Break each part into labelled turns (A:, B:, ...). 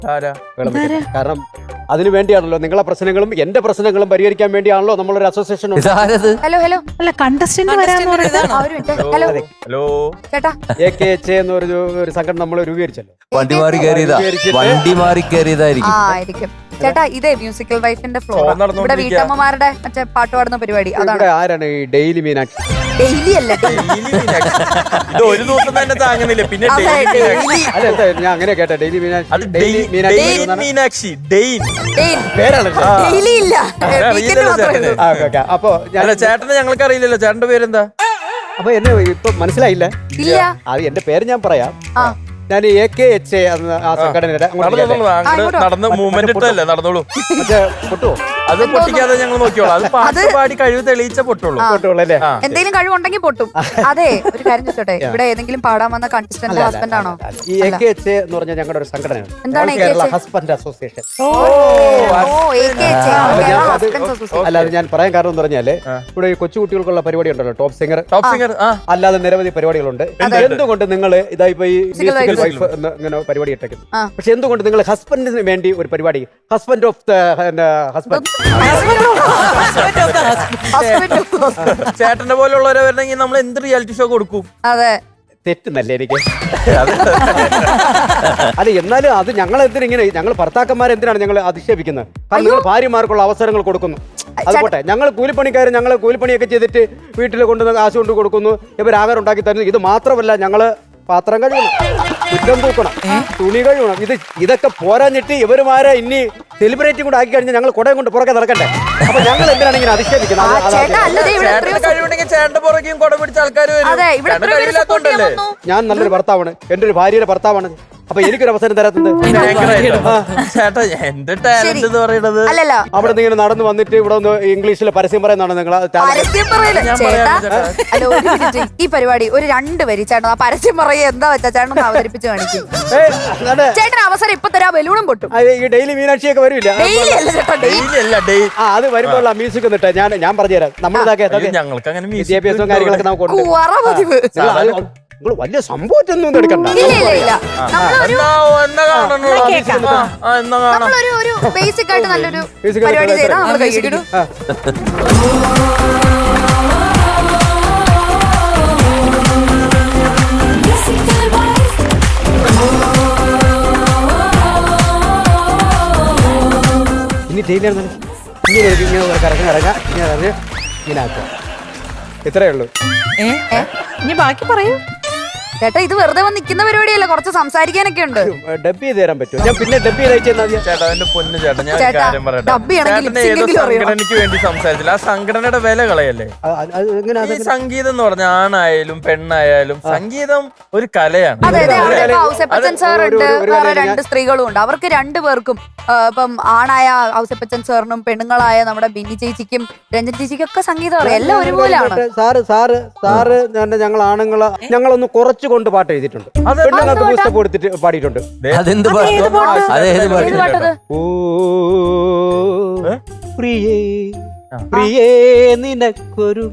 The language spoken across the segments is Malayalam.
A: കാരണം അതിനു വേണ്ടിയാണല്ലോ നിങ്ങളെ പ്രശ്നങ്ങളും എന്റെ പ്രശ്നങ്ങളും പരിഹരിക്കാൻ വേണ്ടിയാണല്ലോ നമ്മളൊരു അസോസിയേഷൻ.
B: ഹലോ ഹലോ
C: അല്ല കണ്ടസ്റ്റന്റ് വരാന്ന് പറയുന്നത്.
B: ഹലോ
D: ഹലോ
B: ചേട്ടാ,
A: AKH എന്നൊരു സംഘടന നമ്മൾ രൂപീകരിച്ചല്ലോ.
E: വണ്ടി മാറി കയറിയതായിരിക്കും.
B: ആയിരിക്കും ചേട്ടാ. ഇതേ മ്യൂസിക്കൽ വൈഫിന്റെ ഫ്ലോർ ഇവിടെ വീട്ടമ്മമാരുടെ മറ്റേ പാട്ട് പാടുന്ന പരിപാടി. അതാണ്
A: ഇവിടെ ആരാണ് ഈ ഡെയിലി മീനാക്ഷി?
B: ഡെയിലി അല്ല,
D: ഇത് ഒരു ദിവസം തന്നെ താങ്ങുന്നില്ല. പിന്നെ
A: അല്ല എന്താ ഞാൻ അങ്ങനെ കേട്ടെ ഡെയിലി
D: അത്
A: മീനാക്ഷി
D: പേരാണ്.
B: ഡെയിലി ഇല്ല, വീക്കെൻഡ് മാത്രമേ ഉള്ളൂ.
A: അപ്പൊ
D: ചേട്ടനെ ഞങ്ങൾക്ക് അറിയില്ലല്ലോ. ചേട്ടന്റെ പേരെന്താ?
A: അപ്പൊ എന്നെ ഇപ്പൊ മനസ്സിലായില്ല.
B: ഇല്ല,
A: അത് എന്റെ പേര് ഞാൻ പറയാം. ഞാൻ AKH എന്ന ആ സംഘടനയുടെ
D: നടന്ന് മൂവ്മെന്റ് ഇട്ടല്ലേ നടന്നോളൂ.
A: പൊട്ടുവോ?
D: അത് പൊട്ടിക്കാതെ ഞങ്ങൾ നോക്കിയോളാം. അത് പാട്ട് പാടി കഴിവ് തെളിയിച്ച പൊട്ടുള്ളൂ.
A: പൊട്ടുള്ളൂ.
B: എന്തെങ്കിലും കഴിവുണ്ടെങ്കിൽ പൊട്ടും. അതെ, ഒരു കാര്യം ചോദിച്ചോട്ടെ, ഇവിടെ ഏതെങ്കിലും പാടാൻ വന്ന കണ്ടസ്റ്റന്റ് ഹസ്ബൻഡ് ആണോ?
A: ഈ AKH എന്ന് പറഞ്ഞാൽ ഞങ്ങളുടെ ഒരു സംഘടനയാണ്.
B: എന്താണ്
A: കേരള ഹസ്ബൻഡ് അസോസിയേഷൻ. അല്ലാതെ ഞാൻ പറയാൻ കാരണം എന്ന് പറഞ്ഞാല് ഇവിടെ ഈ കൊച്ചുകുട്ടികൾക്കുള്ള പരിപാടി ഉണ്ടല്ലോ, ടോപ്പ് സിംഗർ. അല്ലാതെ നിരവധി പരിപാടികളുണ്ട്. എന്തുകൊണ്ട് നിങ്ങൾ ഇതായിപ്പോ ഈ മ്യൂസിക്കൽ വൈഫ് ഇങ്ങനെ പരിപാടി ഇട്ടേക്കുന്നു? പക്ഷെ എന്തുകൊണ്ട് നിങ്ങൾ ഹസ്ബൻഡിന് വേണ്ടി ഒരു പരിപാടി, ഹസ്ബൻഡ് ഓഫ് ദ ഹസ്ബൻഡ്,
D: ചേട്ടന്റെ പോലുള്ളവരെ വരണമെങ്കിൽ നമ്മൾ എന്ത് റിയാലിറ്റി ഷോ കൊടുക്കും?
B: അതെ,
A: തെറ്റുന്നല്ലേ എനിക്ക്? അല്ല എന്നാലും അത് ഞങ്ങൾ എന്തിനിങ്ങനെ, ഞങ്ങൾ ഭർത്താക്കന്മാരെന്തിനാണ് ഞങ്ങൾ അധിക്ഷേപിക്കുന്നത്? കാരണം നിങ്ങൾ ഭാര്യമാർക്കുള്ള അവസരങ്ങൾ കൊടുക്കുന്നു. അതുപോട്ടെ, ഞങ്ങൾ കൂലിപ്പണിക്കാർ, ഞങ്ങൾ കൂലിപ്പണിയൊക്കെ ചെയ്തിട്ട് വീട്ടിൽ കൊണ്ടുവന്ന് കാശ് കൊണ്ട് കൊടുക്കുന്നു, ഇവർ ആഹാരം ഉണ്ടാക്കി തരുന്നു. ഇത് മാത്രമല്ല, ഞങ്ങള് പാത്രം കഴുകണം, കുറ്റം തൂക്കണം, തുണി കഴുകണം. ഇതൊക്കെ പോരാഞ്ഞിട്ട് ഇവരുമാരെ ഇനി സെലിബ്രേറ്റ് കൂടെ ആക്കി കഴിഞ്ഞാൽ ഞങ്ങൾ കുടയും കൊണ്ട് പുറകെ നടക്കട്ടെ. അപ്പൊ ഞങ്ങൾ എന്തിനാണ് ഇങ്ങനെ അധിക്ഷേപിക്കുന്നത്?
D: ചേട്ടന്റെ പുറകെയും കുട പിടിച്ച ആൾക്കാർ
A: ഞാൻ നല്ലൊരു ഭർത്താവാണ്, എന്റെ ഒരു ഭാര്യയുടെ ഭർത്താവാണ്. അപ്പൊ എനിക്കൊരു അവസരം തരാത്തത്
D: ചേട്ടാ എന്ത് ടാലന്റ് എന്ന് പറയുന്നത്?
A: അവിടെ നിന്ന് ഇങ്ങനെ നടന്നു വന്നിട്ട് ഇവിടെ ഒന്ന് ഇംഗ്ലീഷിൽ പരസ്യം പറയുന്നതാണ് നിങ്ങൾ.
B: ഈ പരിപാടി ഒരു 2 വരി ചേട്ടൻ ആ പരസ്യം പറയുക എന്താ വെച്ചാ ചേട്ടൻ അവതരിപ്പിച്ച് കാണിക്കും. ചേട്ടൻ അവസരം ഇപ്പൊ തരാ, ബലൂണും പൊട്ടും.
A: ഈ ഡെയിലി മീനാക്ഷിയൊക്കെ വരില്ല, അത് വരുമ്പോൾ ആ മ്യൂസിക് എന്നിട്ട് ഞാൻ പറഞ്ഞുതരാം.
D: ഞങ്ങൾക്ക് അങ്ങനെ
A: വിദ്യാഭ്യാസവും കാര്യങ്ങളൊക്കെ നമുക്ക് നിങ്ങൾ വലിയ സംഭവത്തൊന്നും എടുക്കണ്ട.
B: ഒരു ബേസിക് ആയിട്ട് നല്ലൊരു പരിപാടി ചെയ്താൽ നമ്മൾ കഴിച്ചിടും.
A: ഇനി ടൈലർ ഇങ്ങനെ കറങ്ങാ ഇങ്ങനെ ആക്കുക. ഇത്രയേ ഉള്ളൂ.
C: ഇനി ബാക്കി പറയൂ
B: ചേട്ടാ. ഇത് വെറുതെ വന്ന് നിൽക്കുന്ന പരിപാടിയല്ല, കുറച്ച് സംസാരിക്കാനൊക്കെ ഉണ്ട്.
A: ഡബ് ചെയ്ത് തരാൻ പറ്റുമോ? ഞാൻ പിന്നെ ഡബ് ചെയ്ത്
D: ചേട്ടാ എന്റെ പൊന്നു ചേട്ടാ, ഞാൻ ഒരു കാര്യം പറയട്ടെ. ചേട്ടൻ ഏതോ സംഘടനയ്ക്ക് വേണ്ടി സംസാരിച്ചില്ല. ആ സംഘടനയുടെ വില കളയല്ലേ? ഈ സംഗീതം എന്ന് പറഞ്ഞ ആണായാലും പെണ്ണായാലും സംഗീതം ഒരു കലയാണ്.
B: അതെ, ഔസേപ്പച്ചൻ സാർ ഉണ്ട്, വേറെ 2 സ്ത്രീകളും ഉണ്ട്. അവർക്ക് 2 പേർക്കും ഇപ്പം ആണായ ഔസേപ്പച്ചൻ സാറിനും പെണ്ണുങ്ങളായ നമ്മുടെ ബിന്നി ചേച്ചിക്കും രഞ്ജൻ ചേച്ചിക്കും ഒക്കെ സംഗീതം അറിയാം. എല്ലാം ഒരുപോലെയാണ്.
A: സാറ് ഞങ്ങൾ ആണുങ്ങളെ ഞങ്ങളൊന്ന് കുറച്ച് കൊണ്ട് പാട്ട് എഴുതിയിട്ടുണ്ട്, പെണ്ണുങ്ങൾക്ക് പുസ്തകം കൊടുത്തിട്ട് പാടിയിട്ടുണ്ട്. പ്രിയേ പ്രിയേ നിനക്കൊരു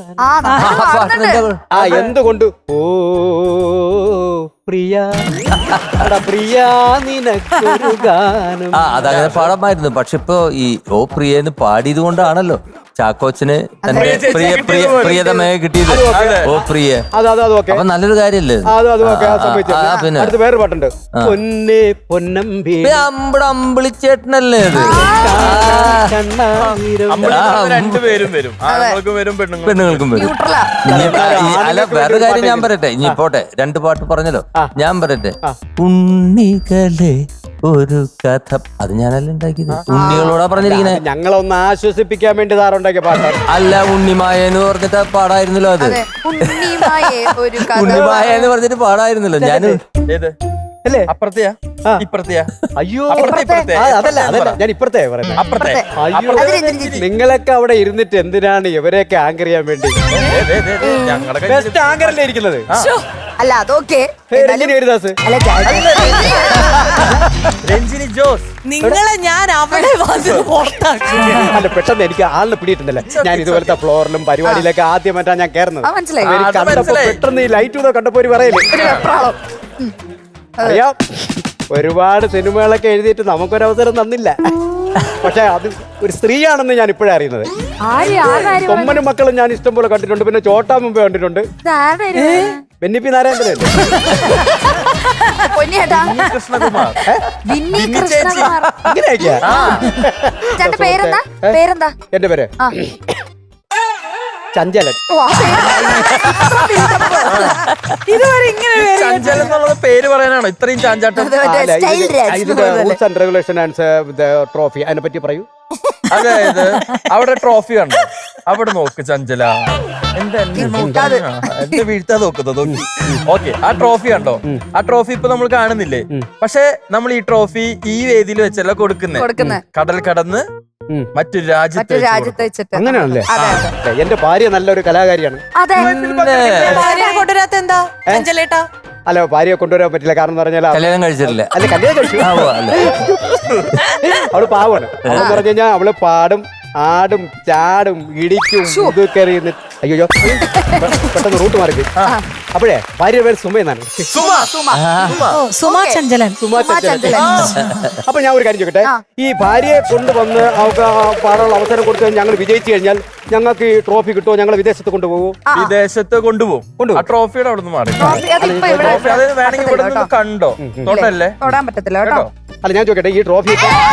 A: എന്തുകൊണ്ട് ഓ പ്രിയ പ്രിയ നിനക്കൊരു ഗാനം.
E: അതങ്ങനെ പാടാമായിരുന്നു. പക്ഷെ ഇപ്പൊ ഈ ഓ പ്രിയെന്ന് പാടിയത് കൊണ്ടാണല്ലോ ചാക്കോച്ചന് തന്റെ പ്രിയതമയെ കിട്ടിയത്. ഓ പ്രിയ, അപ്പൊ നല്ലൊരു കാര്യല്ലേ?
A: പിന്നെ അടുത്ത വേറെ പാട്ടുണ്ട്, പൊന്നേ പൊന്നമ്പി.
E: അമ്പിളിച്ചേട്ടനല്ലേ അത്?
D: രണ്ടുപേരും വരും,
E: പെണ്ണുങ്ങൾക്കും വരും. അല്ല വേറൊരു കാര്യം ഞാൻ പറയട്ടെ, ഇനി പോട്ടെ, 2 പാട്ട് പറഞ്ഞല്ലോ. ഞാൻ പറയട്ടെ, ഉണ്ണികളെ ഒരു കഥ, അത് ഞാനല്ല ഉണ്ടാക്കിയത്, ഉണ്ണികളോടാ പറഞ്ഞിരിക്കുന്നത്.
A: ഞങ്ങളൊന്ന് ആശ്വസിപ്പിക്കാൻ വേണ്ടി സാറുണ്ടാക്കിയ പാട്ടാണ്.
E: അല്ല, ഉണ്ണിമായ എന്ന് പറഞ്ഞിട്ട് പാടായിരുന്നല്ലോ. അത് ഉണ്ണിമായ എന്ന് പറഞ്ഞിട്ട് പാടായിരുന്നല്ലോ. ഞാൻ
A: അല്ലേ
D: അപ്പുറത്തെയാ ഇപ്പുറത്തെയാ?
A: അയ്യോ അതല്ല ഞാൻ ഇപ്പുറത്തെ പറയുന്നത്.
D: അപ്പുറത്തെ
A: നിങ്ങളൊക്കെ അവിടെ ഇരുന്നിട്ട് എന്തിനാണ് ഇവരെയൊക്കെ ആങ്കർ ചെയ്യാൻ വേണ്ടി? ബെസ്റ്റ് ആങ്കറല്ലേ ഇരിക്കുന്നത്?
B: അല്ല അതൊക്കെ
A: ഹരിദാസ്,
D: രഞ്ജിനി ജോസ്,
C: നിങ്ങളെ ഞാൻ അവിടെ
A: അല്ല പെട്ടെന്ന് എനിക്ക് ആളിനെ പിടിയിട്ടുണ്ടല്ലേ. ഞാൻ ഇതുപോലത്തെ ഫ്ലോറിലും പരിപാടിയിലൊക്കെ ആദ്യമായിട്ടാണ് ഞാൻ കയറുന്നത്. പെട്ടെന്ന് ഈ ലൈറ്റ് കണ്ടപ്പോ ഒരു പറയല്ലേ അറിയാം. ഒരുപാട് സിനിമകളൊക്കെ എഴുതിയിട്ട് നമുക്കൊരവസരം തന്നില്ല. പക്ഷെ അത് ഒരു സ്ത്രീയാണെന്ന് ഞാൻ ഇപ്പോഴാണ് അറിയുന്നത്. കൊമ്മനും മക്കളും ഞാൻ ഇഷ്ടം പോലെ കണ്ടിട്ടുണ്ട്. പിന്നെ ചോട്ടാ മുമ്പേ കണ്ടിട്ടുണ്ട്. ബെന്നിപ്പി നാരായണൻ
D: കൃഷ്ണകുമാർ
B: ചേട്ടന്റെ പേരെന്താ? പേരെന്താ?
A: എന്റെ പേര് ചഞ്ചലൻ.
C: ഇതുവരെ ഇങ്ങനെ
D: ചഞ്ചലൻ എന്നുള്ളത് പേര് പറയാനാണോ ഇത്രയും ചാഞ്ചാട്ടം?
A: Rules and regulation and trophy അതിനെ പറ്റി പറയൂ.
D: അതായത് അവിടെ ട്രോഫി കണ്ടോ? അവിടെ നോക്ക് ചഞ്ചല, എന്റെ വീഴ്ത്താതെ നോക്കുന്നത്. ഓക്കെ, ആ ട്രോഫി കണ്ടോ? ആ ട്രോഫി ഇപ്പൊ നമ്മൾ കാണുന്നില്ലേ? പക്ഷെ നമ്മൾ ഈ ട്രോഫി ഈ വേദിയിൽ വെച്ചല്ല കൊടുക്കുന്നേ. കടൽ കടന്ന് മറ്റൊരു രാജ്യത്ത്
B: വെച്ചിട്ട്.
A: അങ്ങനെയാണല്ലേ? എന്റെ ഭാര്യ നല്ലൊരു കലാകാരിയാണ്.
C: ഭാര്യനെ കൊണ്ടുവരാത്ത എന്താ അഞ്ചലേട്ടാ?
A: അല്ല, ഭാര്യയെ കൊണ്ടുവരാൻ പറ്റില്ല. കാരണം എന്ന് പറഞ്ഞാൽ
E: കല്യാണം കഴിച്ചിട്ടില്ല.
A: അല്ല, കല്യാണം കഴിച്ചു. അവള് പാവാണ്. അവളെന്ന് പറഞ്ഞു കഴിഞ്ഞാൽ അവള് പാടും, ആടും, ചാടും, ഇടിക്കും, ഇതൊക്കെ. അയ്യോ, പെട്ടെന്ന് റൂട്ട് മാറി. അപ്പോഴേ ഭാര്യ പേര് സുമ എന്നാണ്.
C: സുമാ ചഞ്ചലൻ.
A: അപ്പൊ ഞാൻ ഒരു കാര്യം ചോദിക്കട്ടെ, ഈ ഭാര്യയെ കൊണ്ടുവന്ന് അവർക്ക് പാടാനുള്ള അവസരം കൊടുത്ത് ഞങ്ങൾ വിജയിച്ചു കഴിഞ്ഞാൽ ഞങ്ങൾക്ക് ഈ ട്രോഫി കിട്ടുമോ? ഞങ്ങൾ വിദേശത്ത് കൊണ്ടുപോകും.
D: വിദേശത്ത് കൊണ്ടുപോകും. ആ ട്രോഫിയുടെ അവിടെ നിന്ന് മാറി. ട്രോഫി അത് വേണമെങ്കിൽ ഇവിടെ നിന്ന് കണ്ടോ? തൊട്ടല്ലേ?
B: തൊടാൻ പറ്റത്തില്ല കേട്ടോ.
A: അല്ല, ഞാൻ ചോദിക്കട്ടെ, ഈ ട്രോഫി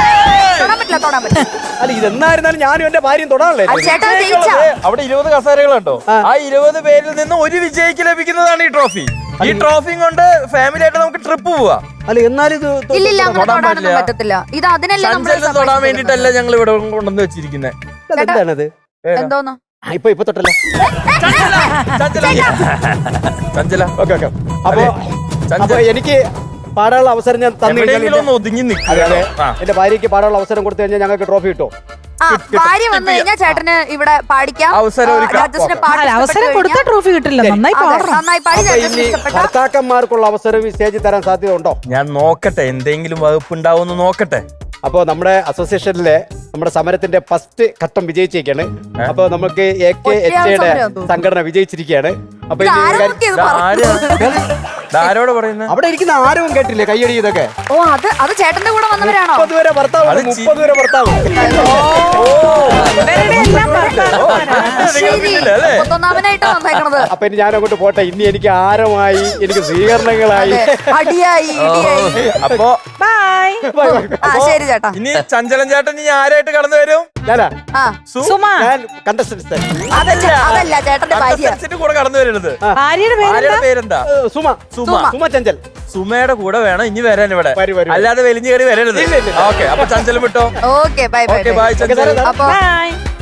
A: അല്ല ഇതെന്നായിരുന്നാലും ഞാനും എന്റെ ഭാര്യയും തൊടാനല്ലേ?
D: അവിടെ 20 കസേരകളുണ്ടോ? ആ 20 പേരിൽ നിന്ന് ഒരു വിജയിക്ക് ലഭിക്കുന്നതാണ് ഈ ട്രോഫി. ഈ ട്രോഫിയും കൊണ്ട് ഫാമിലി ആയിട്ട് നമുക്ക് ട്രിപ്പ് പോവാ.
A: അല്ല, എന്നാലും ഇത്
B: പറ്റത്തില്ല. ഇത് അതിനെല്ലാം
D: തൊടാൻ വേണ്ടിട്ടല്ല ഞങ്ങൾ ഇവിടെ കൊണ്ടുവന്ന് വെച്ചിരിക്കുന്നത്.
A: എന്താണത്?
B: എന്തോന്നോ
A: ഇപ്പൊ തൊട്ടല്ലോ.
D: ചഞ്ചല.
A: ഓക്കെ. അപ്പൊ എനിക്ക് പാടാനുള്ള അവസരം ഞാൻ തന്നു കഴിഞ്ഞാൽ
D: ഒതുങ്ങി
A: എന്റെ ഭാര്യക്ക് പാടാനുള്ള അവസരം കൊടുത്തു കഴിഞ്ഞാൽ ഞങ്ങൾക്ക് ട്രോഫി കിട്ടും.
B: ഭാര്യ വന്നു കഴിഞ്ഞാൽ ചേട്ടന് ഇവിടെ പാടിക്കാം.
C: അവസരം കൊടുത്താൽ ട്രോഫി കിട്ടില്ല. നന്നായി പാടണം.
A: ഭർത്താക്കന്മാർക്കുള്ള അവസരം ഈ സ്റ്റേജിൽ തരാൻ സാധ്യത ഉണ്ടോ?
D: ഞാൻ നോക്കട്ടെ, എന്തെങ്കിലും വകുപ്പ് ഉണ്ടാവുമെന്ന് നോക്കട്ടെ.
A: അപ്പോ നമ്മുടെ അസോസിയേഷനിലെ നമ്മുടെ സമരത്തിന്റെ ഫസ്റ്റ് ഘട്ടം വിജയിച്ചേക്കാണ്. അപ്പൊ നമുക്ക് AKHA സംഘടന വിജയിച്ചിരിക്കുകയാണ്. അപ്പൊ
D: ആരോട് പറയുന്നത്?
A: അവിടെ ഇരിക്കുന്ന ആരും കേട്ടില്ലേ കയ്യടി ഇതൊക്കെ?
B: ഓ, അത് ചേട്ടന്റെ കൂടെ വന്നവരാണോ?
A: 30 വരെ ഭർത്താവ്, 30 വരെ ഭർത്താവ്.
B: 31-ാമനായിട്ടാ വന്നേക്കണത്.
A: അപ്പൊ ഇനി ഞാൻ അങ്ങോട്ട് പോട്ടെ. ഇനി എനിക്ക് ആരമായി, എനിക്ക് സ്വീകരണങ്ങളായി,
B: അടിയായി, ഇടിയായി.
D: അപ്പൊ
B: ശരി ചേട്ടാ.
D: ഇനി ചഞ്ചലൻ ചേട്ടൻ ഇനി ആരായിട്ട് കടന്നു വരും?
A: ഞാൻ contestants.
B: അതല്ല ചേട്ടന്റെ ഭാര്യ.
D: കൂടെ കടന്നു വരരുത്.
C: ഭാര്യയുടെ
D: പേരെന്താ?
A: സുമ ചഞ്ചൽ.
D: സുമയുടെ കൂടെ വേണം ഇനി വരാൻ ഇവിടെ. അല്ലാതെ വലിഞ്ഞു കയറി വരരുത്. ഓക്കെ, അപ്പൊ ചഞ്ചലം വിട്ടോ.
B: Okay, bye bye.
D: Bye Chanchal.
B: അപ്പൊ
C: ബൈ.